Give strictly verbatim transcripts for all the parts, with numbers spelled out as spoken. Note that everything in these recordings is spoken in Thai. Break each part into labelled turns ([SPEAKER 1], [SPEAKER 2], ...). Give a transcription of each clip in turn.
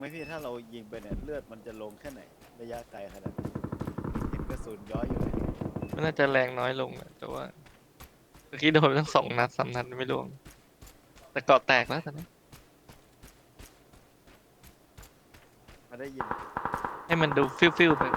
[SPEAKER 1] ไม่พี่ถ้าเรายิงไปเนี่ยเลือดมันจะลงแค่ไหนระยะไกลขนาดนั้นเห็นกระสุนย้อยอยู่เลย
[SPEAKER 2] มันน่าจะแรงน้อยลงนะแต่ว่าเมื่อกี้โดนทั้งสองนัดสามนัดไม่ร่วงแต่เกาะแตกแล้วตอนนี้
[SPEAKER 1] มาได้ยิน
[SPEAKER 2] ให้มันดูฟิวฟิวไป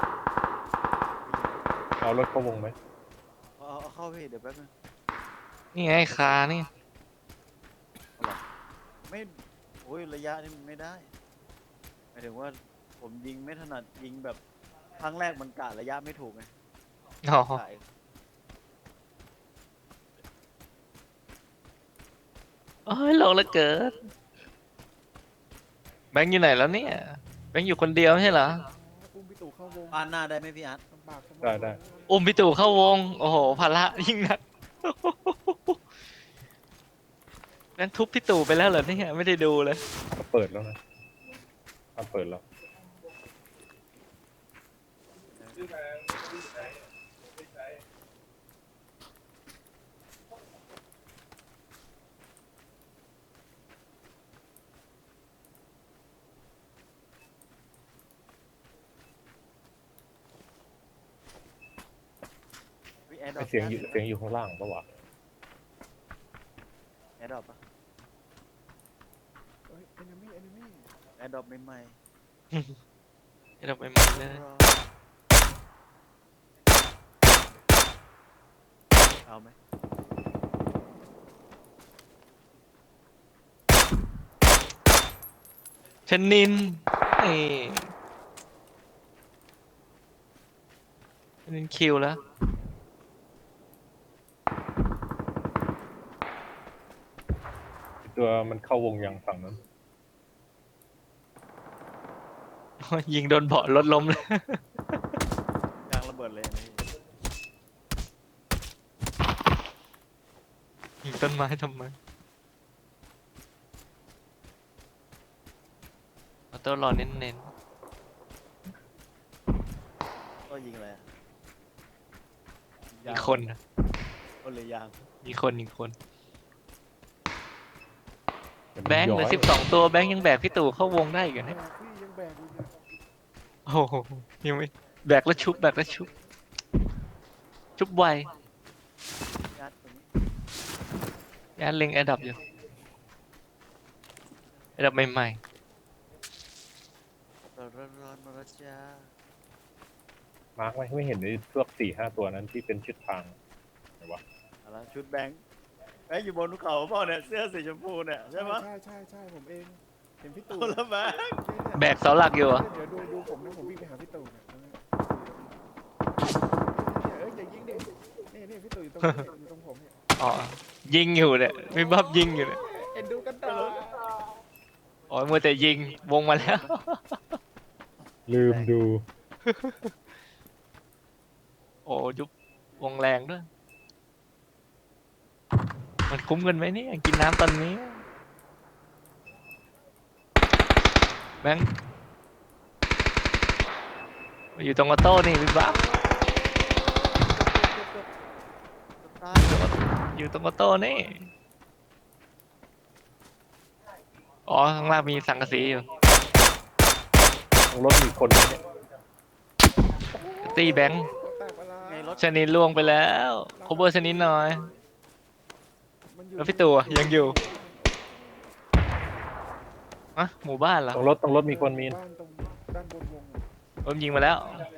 [SPEAKER 3] เอารถเข้าวงไหม
[SPEAKER 1] เอาเอาเข้าพี่เดี๋ยวแป๊บนึง
[SPEAKER 2] นี่ไงคานี่
[SPEAKER 1] เอาหรอไม่โอ้ยระยะนี่มันไม่ได้หมายถึงว่าผมยิงไม่ถนัดยิงแบบครั้งแรกมันกะระยะไม่ถูกไง
[SPEAKER 2] อ๋อก
[SPEAKER 1] ะ
[SPEAKER 2] โอ้ยลงแล้วเกิดแบงค์อยู่ไหนแล้วเนี่ยแบงค์อยู่คนเดียวไม่ใช่เหรอ
[SPEAKER 4] อุ้มพี่ตู่เข้าวง
[SPEAKER 1] ปานหน้าได้ไหมพี่อาร์ต
[SPEAKER 4] ลำบากสมอง
[SPEAKER 3] ได้ได้
[SPEAKER 2] อุ้มพี่ตู่เข้าวงโอ้โหภาระยิ่งหนักงั้นทุบพี่ตู่ไปแล้วเหรอเนี่ยไม่ได้ดูเลย
[SPEAKER 3] ก็เปิดแล้วนะถ้าเปิดแล้ว
[SPEAKER 1] พี่แอร์ดร
[SPEAKER 3] ไอ
[SPEAKER 1] อป
[SPEAKER 3] เสียงอยู่เสียงอยู่ข้างล่างปะวะ
[SPEAKER 1] แอร์ดรอปปะ
[SPEAKER 4] เฮ้ยเอนมี่เอนมี่
[SPEAKER 1] แอร์ดรอปใหม่
[SPEAKER 2] ให้เราไปมันเลย
[SPEAKER 1] ๆรอเอาไหม
[SPEAKER 2] ชนินนี่ชนินคิวแล้ว
[SPEAKER 3] ตัวมันเข้าวงยังฝั่งนั้น
[SPEAKER 2] ยิงโดนเบาะรถล้มเลย
[SPEAKER 1] ยางระเบิดเลยนะพี่
[SPEAKER 2] ยิงต้นไม้ทำไมเอาตัวรอเน้น
[SPEAKER 1] ก็ยิงอะไรอะ
[SPEAKER 2] ๆ
[SPEAKER 1] ยา
[SPEAKER 2] มี
[SPEAKER 1] ง
[SPEAKER 2] คนนะ
[SPEAKER 1] คนเลยยาง
[SPEAKER 2] มีคนอีกคน
[SPEAKER 3] เดี๋ยวมัน
[SPEAKER 2] แบงค์เหลือ
[SPEAKER 3] ย้ย
[SPEAKER 2] สิบสองตัวแบงค์ยังแบกพี่ตู่เข้าวงได้อยู่
[SPEAKER 4] แบ
[SPEAKER 2] นะ
[SPEAKER 4] กพี่ยังแบกอยู่เนี่ย
[SPEAKER 2] โอ้โหยังไม่แบกแล้วชุบแบกแล้วชุบ ชุบไว
[SPEAKER 1] ยัดตรงนี้
[SPEAKER 2] ยานเล็งแอร์ดับอยู่แอร์ดับใหม่
[SPEAKER 1] ร้อนร้อนร้อนมาแล้วจ้า
[SPEAKER 3] มาร์กไว้ไม่เห็นไอ้พวกสี่ห้าตัวนั้นที่เป็นชุดทางไหนวะ
[SPEAKER 1] เอาละชุดแบงค์แบงค์อยู่บนภูเขาเปล่าเนี่ยเสื้อสีชมพูเนี่ยใช่ปะ
[SPEAKER 4] ใช่ใช่ใช่ผมเองเห็นพี่ตู่
[SPEAKER 1] เอาละแบงค์
[SPEAKER 2] ๆ แบกเสาหลักอยู่เหรอ
[SPEAKER 4] เดี๋ยวดูดูผมนะผมวิ่งไปหาพี่ตู่เนี่ยเอ้ยอย่ายิงเด็กนี่นี่พี่ตู่อยู่ตรงนี้อยู่ตรงผมเนี่ย
[SPEAKER 2] อ๋อ ยิงอยู่เนี่ยมีบับยิงอยู่เนี่ย
[SPEAKER 4] เอ็นดูกันต่อ
[SPEAKER 2] อ๋อมัวแต่ยิงวงมาแล้ว
[SPEAKER 3] ลืมดู
[SPEAKER 2] โอ้ยุบวงแรงด้วย มันคุ้มกันไหมเนี่ยกินน้ำตอนนี้ แบงค์มาอยู่ตรงออโต้นี่พี่บ้า
[SPEAKER 1] ตาย
[SPEAKER 2] อยู่ตรงออโต้นี่ อ๋อ ข้างล่างมีสังกะสีอยู่
[SPEAKER 3] ตรงรถมีคนไหมเนี่ย
[SPEAKER 2] ตีแบงค์
[SPEAKER 4] แตกเวลา
[SPEAKER 1] ไงรถ
[SPEAKER 2] ชนินล่วงไปแล้วโคเวอร์ชนินหน่อย
[SPEAKER 4] มันอยู่
[SPEAKER 2] แล้วพี่ตู่อะยังอยู่ อะหมู่บ้านเหรอ
[SPEAKER 3] ตรงรถตรงรถมีคนมีน
[SPEAKER 4] บ้านตรงด้านบนวงอะ
[SPEAKER 2] ผมยิงมาแล้ว
[SPEAKER 4] เ